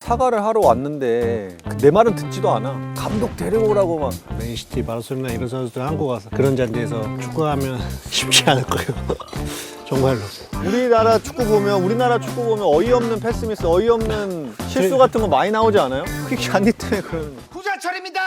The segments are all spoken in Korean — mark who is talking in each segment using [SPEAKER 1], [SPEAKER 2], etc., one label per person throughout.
[SPEAKER 1] 사과를 하러 왔는데 내 말은 듣지도 않아. 감독 데려오라고 막.
[SPEAKER 2] 맨시티, 바르셀로나 이런 선수들 한국 와서 그런 자리에서 축구하면 쉽지 않을 거예요. 정말로.
[SPEAKER 1] 우리나라 축구 보면 어이없는 패스미스, 어이없는 실수 같은 거 많이 나오지 않아요? 그게 잔디 때문에 그러는 거야.
[SPEAKER 3] 부자철입니다.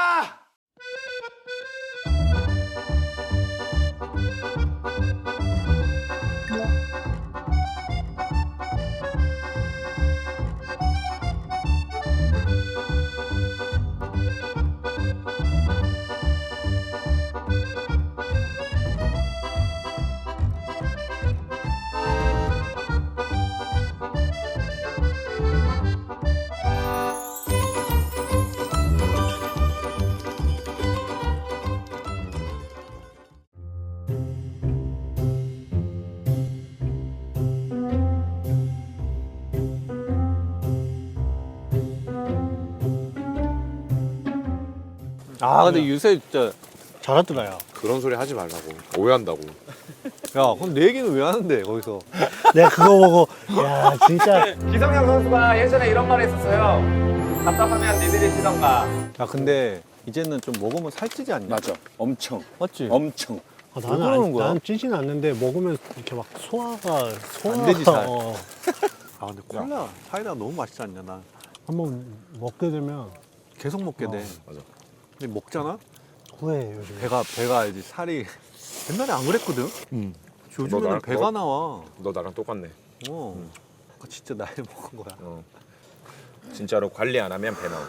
[SPEAKER 1] 아 근데 요새 진짜
[SPEAKER 2] 잘하더라요.
[SPEAKER 4] 그런 소리 하지 말라고. 오해한다고.
[SPEAKER 1] 야 그럼 내 얘기는 왜 하는데 거기서.
[SPEAKER 2] 내가 그거 보고 야 진짜
[SPEAKER 3] 기성용 선수가 예전에 이런 말 했었어요. 답답하면 니들이 뛰던가.
[SPEAKER 1] 야 근데 이제는 좀 먹으면 살찌지 않냐?
[SPEAKER 5] 맞아. 엄청.
[SPEAKER 1] 맞지?
[SPEAKER 5] 엄청.
[SPEAKER 2] 나는
[SPEAKER 1] 그러는 거야?
[SPEAKER 2] 나는 찌진 않는데 먹으면 이렇게 막 소화가
[SPEAKER 1] 안 되지, 잘.
[SPEAKER 2] 어.
[SPEAKER 1] 아 근데 콜라 사이다 너무 맛있지 않냐? 나
[SPEAKER 2] 한번 먹게 되면
[SPEAKER 1] 계속 먹게 돼.
[SPEAKER 4] 맞아.
[SPEAKER 1] 근데 먹잖아?
[SPEAKER 2] 후회해 요즘.
[SPEAKER 1] 배가 알지 살이. 옛날에 안 그랬거든? 요즘에는
[SPEAKER 4] 너
[SPEAKER 1] 배가 나와.
[SPEAKER 4] 너 나랑 똑같네.
[SPEAKER 1] 진짜 나이 먹은 거야.
[SPEAKER 4] 진짜로 관리 안 하면 배 나와.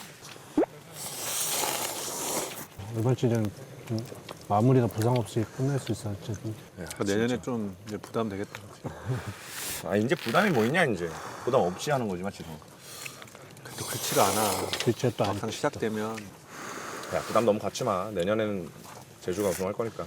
[SPEAKER 2] 이번 시즌 마무리가 부상 없이 끝낼 수 있었지.
[SPEAKER 1] 내년에 좀 이제 부담 되겠다.
[SPEAKER 4] 아 이제 부담이 뭐 있냐 이제. 부담 없이 하는 거지 맞지?
[SPEAKER 1] 또 그렇지가 않아.
[SPEAKER 2] 그치 또
[SPEAKER 1] 막상 시작되면.
[SPEAKER 4] 야 부담 너무 갖지 마. 내년에는 제주가 우승할 거니까.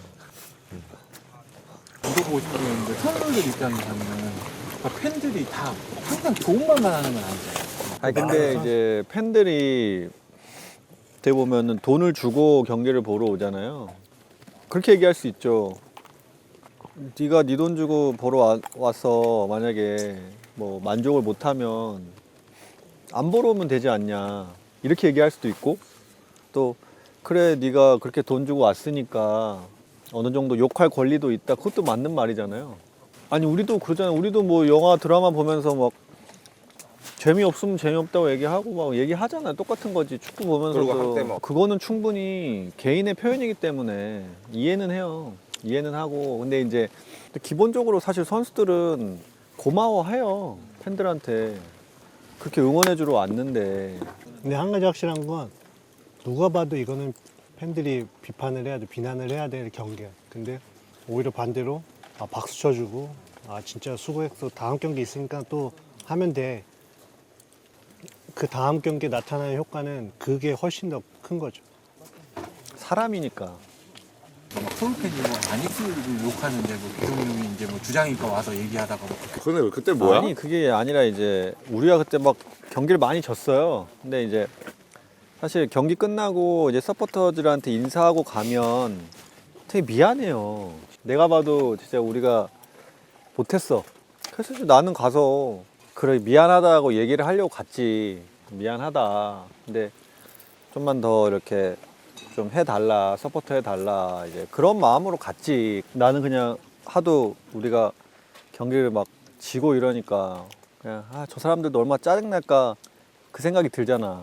[SPEAKER 6] 물어보고 싶었는데 선수들 입장에서는 그러니까 팬들이 다 항상 좋은 말만 하는 건 아니잖아요.
[SPEAKER 1] 아니 근데 이제 팬들이 어떻게 보면은 돈을 주고 경기를 보러 오잖아요. 그렇게 얘기할 수 있죠. 네가 네 돈 주고 보러 와서 만약에 뭐 만족을 못하면 안 보러 오면 되지 않냐 이렇게 얘기할 수도 있고 또 그래 네가 그렇게 돈 주고 왔으니까 어느 정도 욕할 권리도 있다. 그것도 맞는 말이잖아요. 아니 우리도 그러잖아요. 우리도 뭐 영화 드라마 보면서 막 재미없으면 재미없다고 얘기하고 막 얘기하잖아요. 똑같은 거지. 축구
[SPEAKER 4] 그리고 한때
[SPEAKER 1] 보면서도
[SPEAKER 4] 뭐.
[SPEAKER 1] 그거는 충분히 개인의 표현이기 때문에 이해는 해요. 이해는 하고 근데 이제 기본적으로 사실 선수들은 고마워해요. 팬들한테 그렇게 응원해주러 왔는데
[SPEAKER 2] 근데 한 가지 확실한 건 누가 봐도 이거는 팬들이 비판을 해야 돼, 비난을 해야 될 경기야. 근데 오히려 반대로 박수 쳐주고 진짜 수고했어. 다음 경기 있으니까 또 하면 돼. 그 다음 경기에 나타나는 효과는 그게 훨씬 더 큰 거죠.
[SPEAKER 1] 사람이니까.
[SPEAKER 6] 막 서울 팬이 뭐 아닉스를 욕하는데 뭐 기성용이 이제 뭐 주장이니까 와서 얘기하다가 뭐
[SPEAKER 4] 근데 그때 뭐야?
[SPEAKER 1] 아니 그게 아니라 이제 우리가 그때 막 경기를 많이 졌어요. 근데 이제 사실 경기 끝나고 이제 서포터들한테 인사하고 가면 되게 미안해요. 내가 봐도 진짜 우리가 못했어. 그래서 나는 가서 그래 미안하다고 얘기를 하려고 갔지. 미안하다. 근데 좀만 더 이렇게 좀 해달라, 서포터 해달라 이제 그런 마음으로 갔지. 나는 그냥 하도 우리가 경기를 막 지고 이러니까 그냥 저 사람들도 얼마나 짜증날까 그 생각이 들잖아.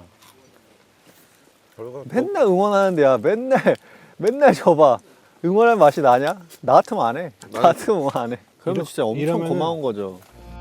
[SPEAKER 1] 맨날 응원하는데 야 맨날 져봐. 응원할 맛이 나냐? 나 같으면 안 해. 나 같으면 응원 안 해. 그러면 진짜 엄청
[SPEAKER 2] 이러면은-
[SPEAKER 1] 고마운 거죠.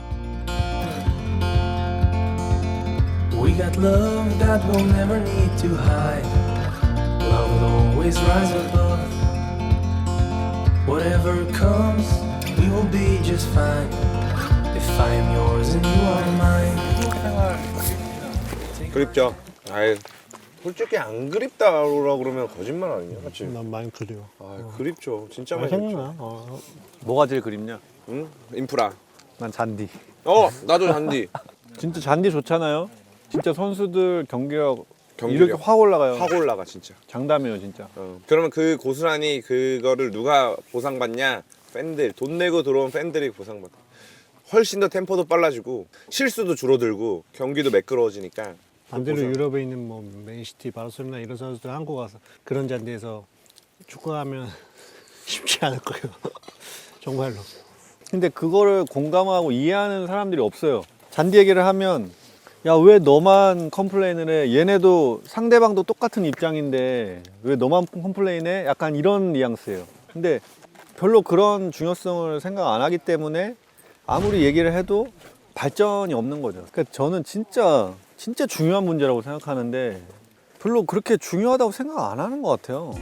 [SPEAKER 7] We got love that we'll never need to hide. Love will always rise above. Whatever comes, we will be just fine. If I am yours and you are mine.
[SPEAKER 4] 그립죠. 아이 솔직히 안 그립다라고 그러면 거짓말 아니냐, 맞지?
[SPEAKER 2] 난 많이 그래요.
[SPEAKER 4] 아 그립죠. 진짜 많이
[SPEAKER 2] 생각나.
[SPEAKER 4] 그립죠.
[SPEAKER 1] 뭐가 제일 그립냐?
[SPEAKER 4] 응? 인프라.
[SPEAKER 1] 난 잔디.
[SPEAKER 4] 나도 잔디.
[SPEAKER 1] 진짜 잔디 좋잖아요. 진짜 선수들 경기력
[SPEAKER 4] 경기력.
[SPEAKER 1] 이렇게 확 올라가요.
[SPEAKER 4] 확 올라가 진짜.
[SPEAKER 1] 장담이에요 진짜.
[SPEAKER 4] 그러면 그 고스란히 그거를 누가 보상받냐? 팬들. 돈 내고 들어온 팬들이 보상받아. 훨씬 더 템포도 빨라지고 실수도 줄어들고 경기도 매끄러워지니까.
[SPEAKER 2] 반대로
[SPEAKER 4] 보자.
[SPEAKER 2] 유럽에 있는 뭐 맨시티, 바르셀로나 이런 선수들 한국 와서 그런 잔디에서 축구하면 쉽지 않을 거예요. 정말로.
[SPEAKER 1] 근데 그거를 공감하고 이해하는 사람들이 없어요. 잔디 얘기를 하면 야, 왜 너만 컴플레인을 해? 얘네도 상대방도 똑같은 입장인데 왜 너만 컴플레인해? 약간 이런 뉘앙스예요. 근데 별로 그런 중요성을 생각 안 하기 때문에 아무리 얘기를 해도 발전이 없는 거죠. 그러니까 저는 진짜 중요한 문제라고 생각하는데 별로 그렇게 중요하다고 생각 안 하는 것 같아요.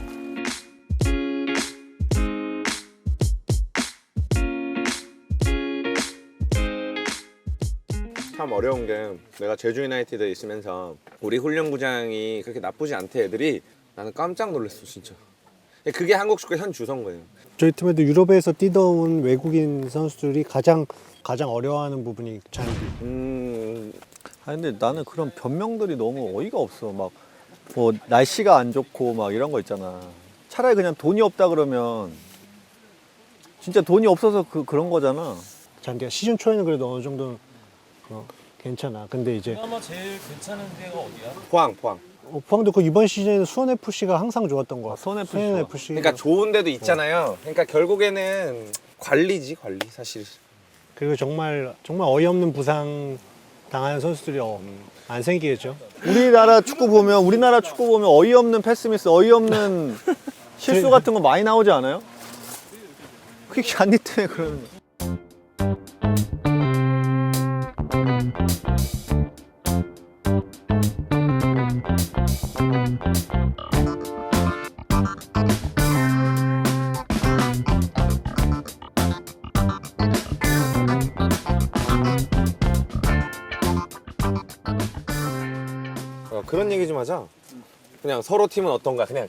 [SPEAKER 4] 참 어려운 게 내가 제주 유나이티드에 있으면서 우리 훈련구장이 그렇게 나쁘지 않대 애들이. 나는 깜짝 놀랐어 진짜. 그게 한국 축구의 현 주소인 거예요.
[SPEAKER 2] 저희 팀에도 유럽에서 뛰어온 외국인 선수들이 가장 어려워하는 부분이 잔디.
[SPEAKER 1] 아니 근데 나는 그런 변명들이 너무 어이가 없어. 막 뭐 날씨가 안 좋고 막 이런 거 있잖아. 차라리 그냥 돈이 없다 그러면 진짜 돈이 없어서 그런 거잖아.
[SPEAKER 2] 잔디가 시즌 초에는 그래도 어느 정도 괜찮아. 근데 이제
[SPEAKER 6] 그나마 제일 괜찮은 데가 어디야?
[SPEAKER 4] 포항.
[SPEAKER 2] 포항도 그 이번 시즌에 수원 FC가 항상 좋았던 거 같아.
[SPEAKER 1] 수원 FC
[SPEAKER 2] 수원
[SPEAKER 1] 좋아.
[SPEAKER 2] FC.
[SPEAKER 4] 그러니까 좋은 데도 있잖아요. 그러니까 결국에는 관리 사실.
[SPEAKER 2] 그리고 정말 어이없는 부상 당하는 선수들이 안 생기겠죠.
[SPEAKER 1] 우리나라 축구 보면 어이없는 패스미스, 어이없는 실수 같은 거 많이 나오지 않아요? 그게 잔디 때문에 그러는 거야.
[SPEAKER 4] 그런 얘기 좀 하자. 그냥 서로 팀은 어떤가 그냥.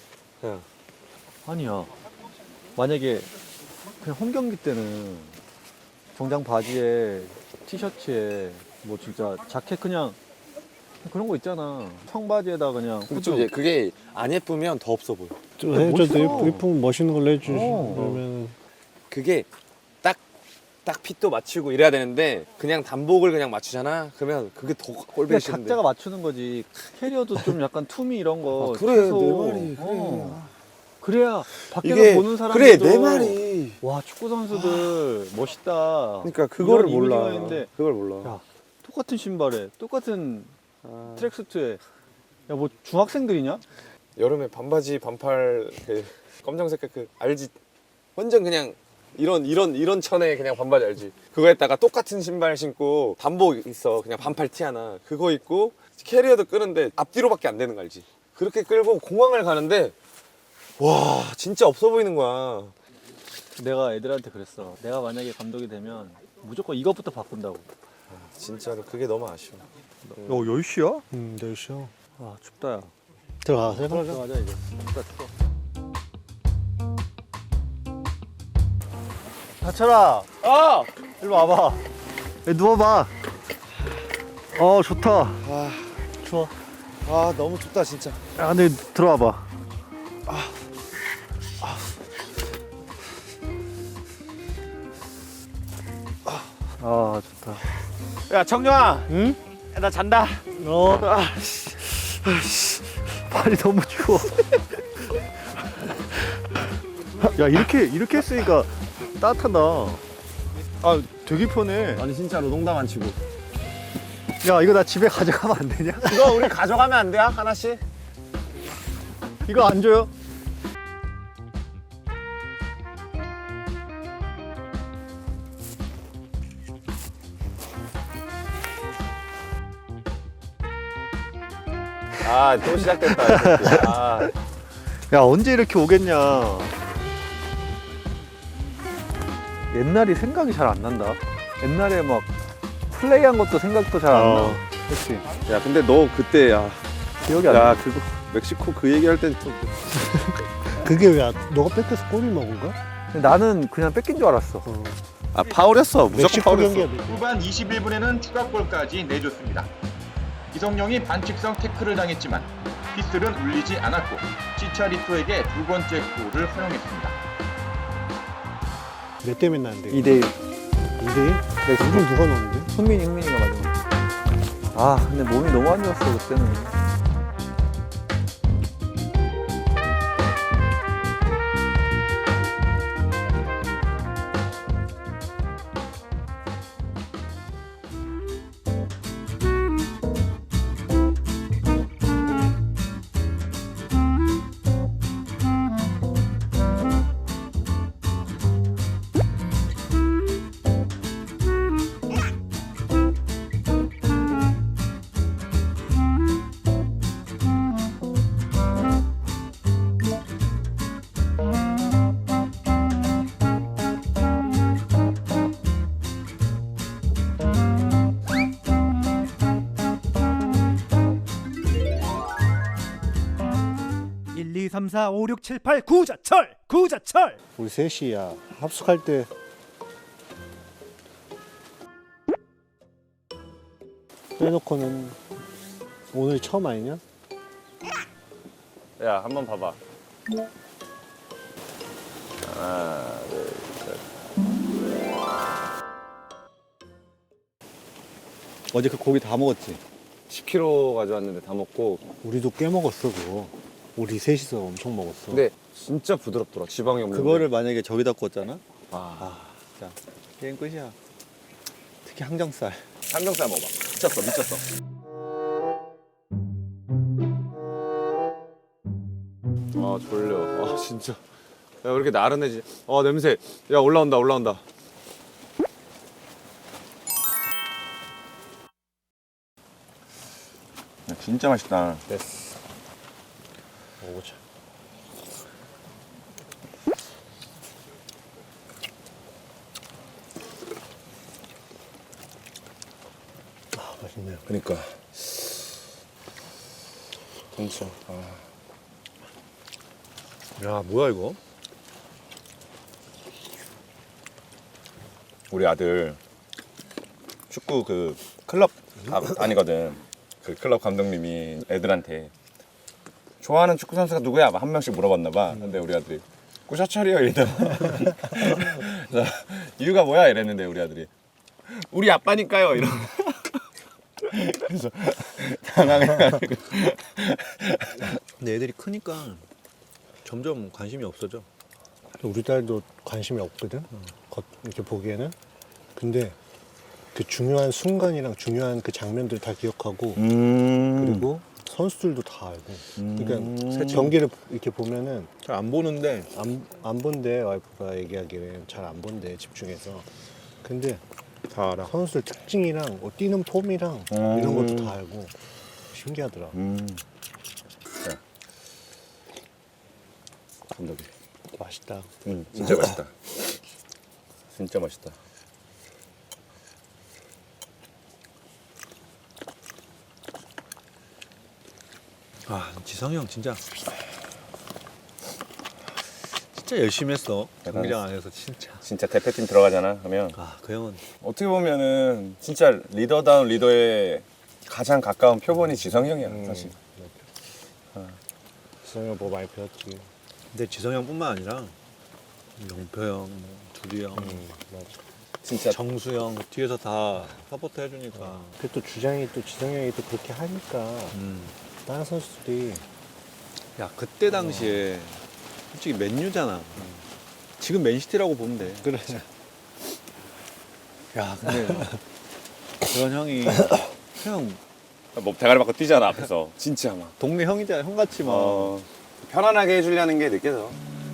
[SPEAKER 1] 아니야. 만약에 그냥 홈 경기 때는 정장 바지에 티셔츠에 뭐 진짜 자켓 그냥 그런 거 있잖아. 청바지에다 그냥
[SPEAKER 4] 근데 좀 이제 그게 안 예쁘면 더 없어 보여.
[SPEAKER 2] 좀 해줘도
[SPEAKER 1] 멋있어.
[SPEAKER 2] 예쁘면 멋있는 걸로 해주시.
[SPEAKER 1] 어.
[SPEAKER 2] 그러면
[SPEAKER 4] 그게 딱 핏도 맞추고 이래야 되는데 그냥 단복을 그냥 맞추잖아. 그러면 그게 더
[SPEAKER 1] 그냥
[SPEAKER 4] 꼴보기 싫은데.
[SPEAKER 1] 각자가 맞추는 거지. 캐리어도 좀 약간 투미 이런 거.
[SPEAKER 4] 아, 그래,
[SPEAKER 1] 최소.
[SPEAKER 4] 내 말이, 그래.
[SPEAKER 1] 그래야 밖에서
[SPEAKER 4] 이게
[SPEAKER 1] 보는 사람들도
[SPEAKER 4] 그래 내 말이.
[SPEAKER 1] 와 축구 선수들 멋있다.
[SPEAKER 4] 그러니까 그거를
[SPEAKER 1] 이런
[SPEAKER 4] 몰라.
[SPEAKER 1] 이미지가 있는데
[SPEAKER 4] 그걸 몰라.
[SPEAKER 1] 야, 똑같은 신발에 똑같은
[SPEAKER 4] 아.
[SPEAKER 1] 트랙수트에 야 뭐 중학생들이냐?
[SPEAKER 4] 여름에 반바지 반팔 그 검정색 그 알지? 완전 그냥 이런 천에 그냥 반바지 알지? 그거에다가 똑같은 신발 신고 단복 있어. 그냥 반팔 티 하나. 그거 입고 캐리어도 끄는데 앞뒤로밖에 안 되는 거 알지? 그렇게 끌고 공항을 가는데 와 진짜 없어 보이는 거야.
[SPEAKER 1] 내가 애들한테 그랬어. 내가 만약에 감독이 되면 무조건 이것부터 바꾼다고.
[SPEAKER 4] 진짜로 그게 너무 아쉬워.
[SPEAKER 1] 야 10시야?
[SPEAKER 2] 내쉬어.
[SPEAKER 1] 아 춥다 야.
[SPEAKER 2] 들어가세요.
[SPEAKER 1] 들어가자 이제. 춥다 추워. 다철아. 일로 와봐. 야, 누워봐. 좋다. 추워.
[SPEAKER 4] 아 너무 춥다 진짜.
[SPEAKER 1] 야 근데 들어와봐. 좋다.
[SPEAKER 3] 야 정영아,
[SPEAKER 1] 응?
[SPEAKER 3] 야, 나 잔다.
[SPEAKER 1] 발이 너무 추워. 야 이렇게 했으니까 따뜻하다. 아 되게 편해.
[SPEAKER 3] 아니 진짜로 농담 안 치고.
[SPEAKER 1] 야 이거 나 집에 가져가면 안 되냐?
[SPEAKER 3] 이거 우리 가져가면 안 돼요? 하나씩?
[SPEAKER 1] 이거 안 줘요?
[SPEAKER 4] 아 또 시작됐다. 이 새끼. 아.
[SPEAKER 1] 야 언제 이렇게 오겠냐. 옛날이 생각이 잘 안 난다. 옛날에 막 플레이한 것도 생각도 잘 안 나. 그치?
[SPEAKER 4] 야 근데 너 그때
[SPEAKER 1] 기억이 안 나.
[SPEAKER 4] 야 그거 멕시코 그 얘기할 땐 좀.
[SPEAKER 2] 그게 왜 너가 뺏겨서 골을 먹은 거야?
[SPEAKER 1] 근데 나는 그냥 뺏긴 줄 알았어.
[SPEAKER 4] 아 파울이었어. 무조건
[SPEAKER 2] 멕시코
[SPEAKER 4] 파울이었어.
[SPEAKER 2] 경기야.
[SPEAKER 5] 후반 21분에는 추가골까지 내줬습니다. 이성용이 반칙성 태클을 당했지만 휘슬은 울리지 않았고 치차리토에게 두 번째 골을 허용했습니다.
[SPEAKER 2] 몇 대 몇 나는데?
[SPEAKER 1] 2대1.
[SPEAKER 2] 2대1? 요즘 누가 넣는데?
[SPEAKER 1] 흥민이가 마지막. 아 근데 몸이 너무 안 좋았어 그때는.
[SPEAKER 8] 구자철.
[SPEAKER 2] 우리 셋이야 합숙할 때 빼놓고는 오늘 처음 아니냐?
[SPEAKER 4] 야, 한번 봐봐. 하나, 둘, 셋.
[SPEAKER 1] 어제 그 고기 다 먹었지.
[SPEAKER 4] 10kg 가져왔는데 다 먹고.
[SPEAKER 2] 우리도 꽤 먹었어 그거. 우리 셋이서 엄청 먹었어.
[SPEAKER 4] 근데 진짜 부드럽더라. 지방이 없는데.
[SPEAKER 1] 그거를 만약에 저기다 구웠잖아.
[SPEAKER 4] 아,
[SPEAKER 1] 자 게임 끝이야. 특히 항정살.
[SPEAKER 4] 삼겹살 먹어봐. 미쳤어, 미쳤어. 아, 졸려. 아, 진짜. 야, 왜 이렇게 나른해지? 냄새. 야, 올라온다, 올라온다. 야, 진짜 맛있다.
[SPEAKER 2] 됐어. 먹어보자. 아 맛있네요.
[SPEAKER 4] 그니까. 진짜.
[SPEAKER 1] 야 뭐야 이거?
[SPEAKER 9] 우리 아들 축구 그 클럽 다니거든. 그 클럽 감독님이 애들한테 좋아하는 축구 선수가 누구야? 한 명씩 물어봤나 봐. 근데 우리 아들이 구자철이요 이러더라. 그래서 이유가 뭐야? 이랬는데 우리 아들이 우리 아빠니까요 이러. 그래서 당황해가지고.
[SPEAKER 1] 근데 애들이 크니까 점점 관심이 없어져.
[SPEAKER 2] 우리 딸도 관심이 없거든. 이렇게 보기에는. 근데 그 중요한 순간이랑 중요한 그 장면들 다 기억하고 그리고 선수들도 다 알고. 그러니까 경기를 이렇게 보면은
[SPEAKER 1] 잘 안 보는데
[SPEAKER 2] 안 본대. 와이프가 얘기하기를 잘 안 본대 집중해서. 근데
[SPEAKER 1] 다 알아.
[SPEAKER 2] 선수들 특징이랑 뛰는 폼이랑 이런 것도 다 알고 신기하더라.
[SPEAKER 9] 감독이.
[SPEAKER 2] 맛있다.
[SPEAKER 9] 진짜 맛있다. 진짜 맛있다.
[SPEAKER 1] 아 지성이 형 진짜 열심히 했어. 경기장 안에서 진짜.
[SPEAKER 9] 진짜 대표팀 들어가잖아. 그러면
[SPEAKER 1] 아 그 형은
[SPEAKER 9] 어떻게 보면은 진짜 리더다운 리더의 가장 가까운 표본이 지성이 형이야 사실.
[SPEAKER 2] 지성이가 뭐 많이 배웠지.
[SPEAKER 1] 근데 지성이 형뿐만 아니라 영표 형, 뭐 두리 형,
[SPEAKER 2] 맞아.
[SPEAKER 9] 진짜
[SPEAKER 1] 정수 형 뒤에서 다 서포트 해주니까.
[SPEAKER 2] 그 또 주장이 또 지성이 형이 또 그렇게 하니까 다른 선수들이
[SPEAKER 1] 야 그때 당시에 솔직히 맨유잖아. 지금 맨시티라고 보면 돼.
[SPEAKER 2] 그래.
[SPEAKER 1] 야 근데 그런 형이 그냥
[SPEAKER 9] 뭐 대가리 받고 뛰잖아 앞에서. 진짜 막
[SPEAKER 1] 동네 형이잖아. 형같이 막.
[SPEAKER 9] 편안하게 해주려는 게 느껴져.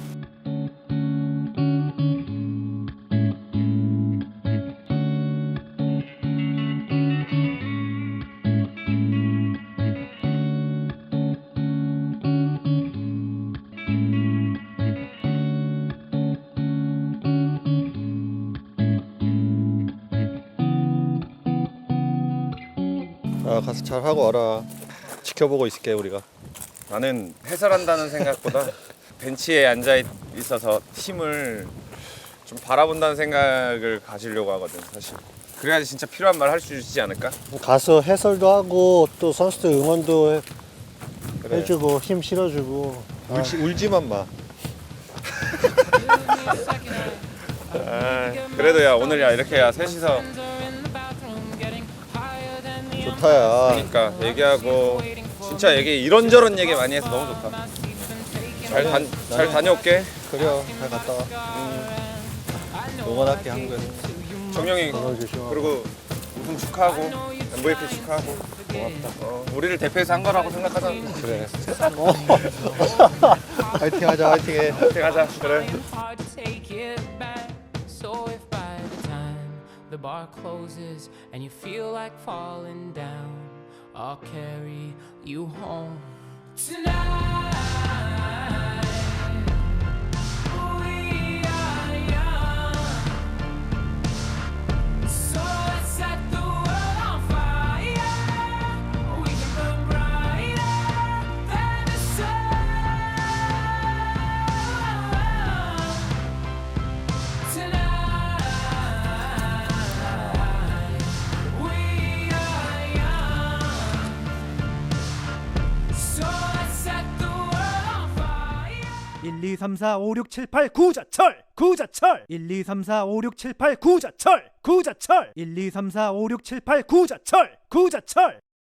[SPEAKER 1] 아 가서 잘 하고 와라. 지켜보고 있을게 우리가.
[SPEAKER 9] 나는 해설한다는 생각보다 벤치에 앉아 있어서 팀을 좀 바라본다는 생각을 가지려고 하거든 사실. 그래야지 진짜 필요한 말 할 수 있지 않을까?
[SPEAKER 2] 가서 해설도 하고 또 선수들 응원도
[SPEAKER 1] 그래.
[SPEAKER 2] 해주고 힘 실어주고.
[SPEAKER 1] 울지만 마.
[SPEAKER 9] 그래도 야 오늘 야 이렇게 야 셋이서
[SPEAKER 1] 좋다야.
[SPEAKER 9] 그러니까 얘기하고 진짜 얘기 이런저런 얘기 많이 해서 너무 좋다. 잘 다녀올게.
[SPEAKER 1] 그래요. 잘 갔다 와. 응원할게 한국에서.
[SPEAKER 9] 정영이
[SPEAKER 2] 건강 조심하고.
[SPEAKER 9] 그리고 우승 축하하고 MVP 축하하고 고맙다. 우리를 대표해서 한 거라고 생각하자.
[SPEAKER 1] 그래. 화이팅 하자, 화이팅 해.
[SPEAKER 9] 가자. 그래.
[SPEAKER 7] hard to take it back. So if by the time the bar closes and you feel like falling down, I'll carry you home tonight. We are young, so let's set the world on fire. We can burn brighter than the sun. Tonight, we are young, so let's set the world on fire.
[SPEAKER 8] 1, 2, 3, 4, 5, 6, 7, 8 구자철 구자철 1, 2, 3, 4, 5, 6, 7, 8 구자철 구자철 1, 2, 3, 4, 5, 6, 7, 8 구자철 구자철